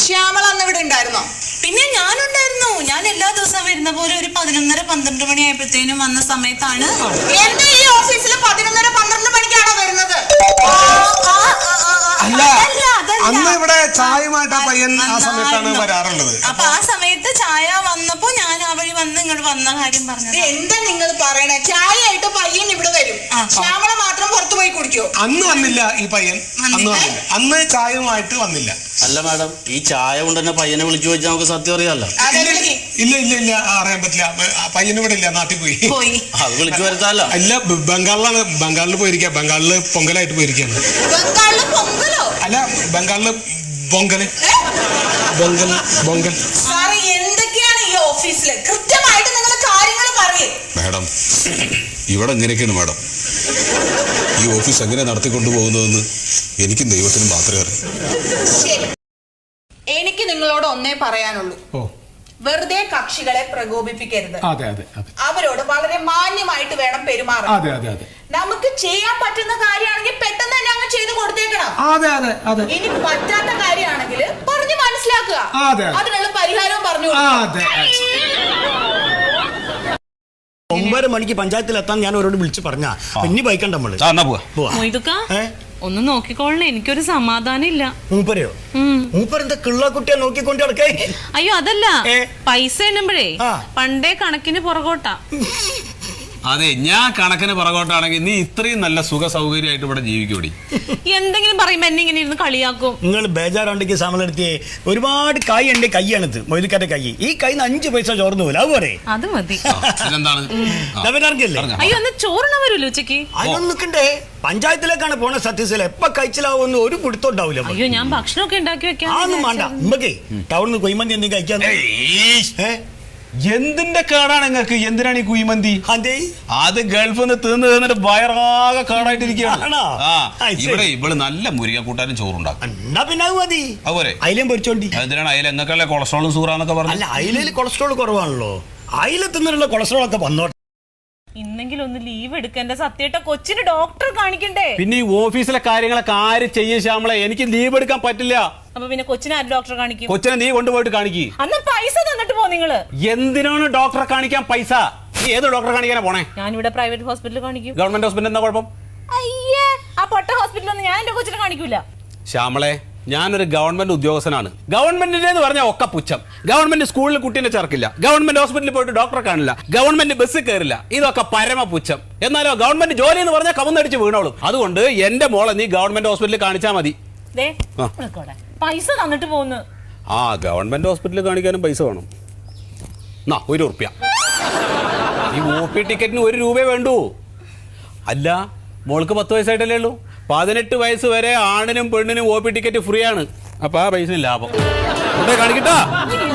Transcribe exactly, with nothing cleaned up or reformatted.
ശ്യാമള അന്ന് ഇവിടെ ഉണ്ടായിരുന്നോ? പിന്നെ ഞാനുണ്ടായിരുന്നു. ഞാൻ എല്ലാ ദിവസവും വരുന്ന പോലെ ഒരു പതിനൊന്നര പന്ത്രണ്ട് മണി ആയപ്പോഴത്തേനും വന്ന സമയത്താണ്. എന്റെ ഈ ഓഫീസിൽ പതിനൊന്നര പന്ത്രണ്ട് മണിക്കാണോ വരുന്നത്? അല്ല, അന്ന് ഇവിടെ ചായയുമായിട്ട് ആ പയ്യൻ ആ സമയത്താണ് വരാറുള്ളത്. അപ്പൊ ആ സമയത്ത് ചായ വന്നപ്പോ ഞാൻ ആ വഴി വന്ന് ഇങ്ങോട്ട് വന്ന കാര്യം പറഞ്ഞത്. എന്താ നിങ്ങൾ പറയണേ? ചായ ആയിട്ട് പയ്യൻ ഇവിടെ വരും, ശ്യാമള മാത്രം പുറത്തു പോയി കുടിക്കോ? അന്ന് വന്നില്ല ഈ പയ്യൻ, അന്ന് വന്നില്ല. അന്ന് ചായയുമായിട്ട് വന്നില്ല. അല്ല മാഡം, ഈ ചായ കൊണ്ട് തന്നെ പയ്യനെ വിളിച്ചു ചോദിച്ചാൽ നമുക്ക് സത്യം അറിയാലോ. ഇല്ല ഇല്ല ഇല്ല അറിയാൻ പറ്റില്ല. പയ്യന് ഇവിടെ ഇല്ല, നാട്ടിൽ പോയി. അത് വിളിച്ചു വരുത്താല്ലോ. അല്ല, ബംഗാളിലാണ്. ബംഗാളിൽ പോയിരിക്കുക. ബംഗാളില് പൊങ്കലായിട്ട് പോയിരിക്കുകയാണ്. ബംഗാളില് പൊങ്കലോ? അല്ല, ബംഗാളില് പൊങ്കല് പൊങ്കൽ പൊങ്കൽ. സാറേ, എന്തൊക്കെയാണ് ഈ ഓഫീസില്? കൃത്യമായിട്ട് നിങ്ങൾ കാര്യങ്ങൾ പറയേ. മാഡം, ഇവിടെ എങ്ങനെയൊക്കെയാണ് മാഡം ഈ ഓഫീസ് എങ്ങനെ നടത്തിക്കൊണ്ടു പോകുന്നതെന്ന് എനിക്കും ദൈവത്തിനും മാത്രമേ അറിയൂ. എനിക്ക് നിങ്ങളോട് ഒന്നേ പറയാനുള്ളൂ. വെറുതെ കക്ഷികളെ പ്രകോപിപ്പിക്കരുത്. അവരോട് വളരെ മാന്യമായിട്ട് വേണം പെരുമാറാൻ. നമുക്ക് ചെയ്യാൻ പറ്റുന്ന കാര്യമാണെങ്കിൽ പെട്ടെന്ന് തന്നെ അങ്ങ് ചെയ്ത് കൊടുത്തേക്കണം. ഇനി പറ്റാത്ത കാര്യമാണെങ്കിൽ പറഞ്ഞു മനസ്സിലാക്കുക. അതിനുള്ള പരിഹാരവും പറഞ്ഞു. ഒമ്പത് മണിക്ക് പഞ്ചായത്തിൽ എത്താൻ ഞാൻ അവരോട് വിളിച്ചു പറഞ്ഞ ഇനി ബൈക്കണ്ട നമ്മള് ഒന്ന് നോക്കിക്കോളണേ, എനിക്കൊരു സമാധാനം ഇല്ല. മൂപ്പരയോ? മൂപ്പരെന്താ കിള്ളക്കുട്ടിയെ നോക്കിക്കൊണ്ട് നടക്കേ? അയ്യോ അതല്ല, പൈസ എണ്ണുമ്പോഴേ പണ്ടേ കണക്കിന് പുറകോട്ടാ. അതെ, ഞാൻ കണക്കിന് പുറകോട്ടാണെങ്കിൽ നീ ഇത്രയും നല്ല സുഖ സൗകര്യമായിട്ട് ഇവിടെ ജീവിക്കൂടി. എന്തെങ്കിലും പറയുമ്പോ എന്നെ ഇങ്ങനെ ഇരുന്ന് കളിയാക്കും. നിങ്ങൾ ബേജാറുണ്ടെങ്കിൽ സമലെടുത്തിയേ. ഒരുപാട് കൈ ഉണ്ട്. കൈയാണിത്, മൊയ്തുക്കാരുടെ കൈ. ഈ കൈന്ന് അഞ്ചു പൈസ ചോർന്നു പോലെ അത് പോരെ? അത് മതി. അയ്യോ, ഒന്ന് ചോറിന വരുമല്ലോ ഉച്ചക്ക്. അതൊന്നും നിൽക്കണ്ടേ? പഞ്ചായത്തിലേക്കാണ് പോണ. സത്യത്തില് എപ്പ കഴിച്ചിലാവുന്ന ഒരു പിടുത്തോണ്ടാവില്ല. അയ്യോ, ഞാൻ ഭക്ഷണമൊക്കെ ഉണ്ടാക്കി വെക്കാം. അതൊന്നും വേണ്ട. ഉമ്മക്കേ ടൗണിൽ കൊയ്മന്തി എന്തെങ്കിലും കഴിക്കാൻ. എന്തിന്റെ കേടാണ് നിങ്ങൾക്ക്? എന്തിനാണ് ഈ കുഴിമന്തി? അത് ഗൾഫിൽ നിന്ന് തീർന്ന് തീർന്നിട്ട് വയറാകെ കേടായിട്ടിരിക്കുകയാണ്. ഇവിടെ ഇവള് നല്ല മുരിക കൂട്ടാനും ചോറുണ്ടാക്കും. എന്നാ പിന്നെ അത് മതി. അതുപോലെ അയിലേം പൊരിച്ചോണ്ടി. എന്തിനാണ് അയില? എങ്ങക്കല്ലേ കൊളസ്ട്രോളും സൂറാന്നൊക്കെ പറഞ്ഞു. അല്ല, അയിലയിൽ കൊളസ്ട്രോൾ കുറവാണല്ലോ. അയില തിന്നിട്ടുള്ള കൊളസ്ട്രോൾ ഒക്കെ വന്നോട്ടെ. ഇന്നെങ്കിലും ഒന്ന് ലീവ് എടുക്കേണ്ട സത്യേട്ട. കൊച്ചിന് ഡോക്ടറെ കാണിക്കണ്ടേ? പിന്നെ ഈ ഓഫീസിലെ കാര്യങ്ങളൊക്കെ ആര് ചെയ്യും ശ്യാമളെ? എനിക്ക് ലീവ് എടുക്കാൻ പറ്റില്ല. അപ്പൊ പിന്നെ കൊച്ചിനെ ആര് ഡോക്ടറെ കാണിക്കും? കൊച്ചിനെ നീ കൊണ്ടുപോയിട്ട് കാണിക്ക്. അന്ന് പൈസ തന്നിട്ട് പോ നിങ്ങള്. എന്തിനാണ് ഡോക്ടറെ കാണിക്കാൻ പൈസ? നീ ഏത് ഡോക്ടറെ കാണിക്കാനാ പോണേ? ഞാനിവിടെ പ്രൈവറ്റ് ഹോസ്പിറ്റലിൽ കാണിക്കും. ഗവൺമെന്റ് ഹോസ്പിറ്റൽ എന്താ കുഴപ്പം? അയ്യേ, ആ പൊട്ട ഹോസ്പിറ്റലൊന്നും ഞാൻ എന്റെ കൊച്ചിനെ കാണിക്കൂല. ശ്യാമളെ, ഞാനൊരു ഗവൺമെന്റ് ഉദ്യോഗസ്ഥനാണ്. ഗവൺമെന്റിന്റെ എന്ന് പറഞ്ഞാൽ ഒക്കെ പുച്ഛം. ഗവൺമെന്റ് സ്കൂളിൽ കുട്ടീനെ ചേർക്കില്ല, ഗവൺമെന്റ് ഹോസ്പിറ്റലിൽ പോയിട്ട് ഡോക്ടറെ കാണില്ല, ഗവൺമെന്റ് ബസ്സിൽ കയറില്ല. ഇതൊക്കെ പരമ പുച്ഛം. എന്നാലോ ഗവൺമെന്റ് ജോലി എന്ന് പറഞ്ഞാൽ കവന്നടിച്ച് വീണോളും. അതുകൊണ്ട് എന്റെ മോളെ നീ ഗവൺമെന്റ് ഹോസ്പിറ്റലിൽ കാണിച്ചാൽ മതി. പൈസ തന്നിട്ട് പോകുന്നു. ആ, ഗവൺമെന്റ് ഹോസ്പിറ്റലിൽ കാണിക്കാനും പൈസ വേണം. എന്നാ ഒരു ഉറുപ്പ്യ. ഈ ഒ പി ടിക്കറ്റിന് ഒരു രൂപയെ വേണ്ടൂ. അല്ല, മോൾക്ക് പത്ത് വയസ്സായിട്ടല്ലേ ഉള്ളൂ. പതിനെട്ട് വയസ്സ് വരെ ആണിനും പെണ്ണിനും ഒ പി ടിക്കറ്റ് ഫ്രീ ആണ്. അപ്പൊ ആ പൈസ ലാഭം. കാണിക്കട്ടാ.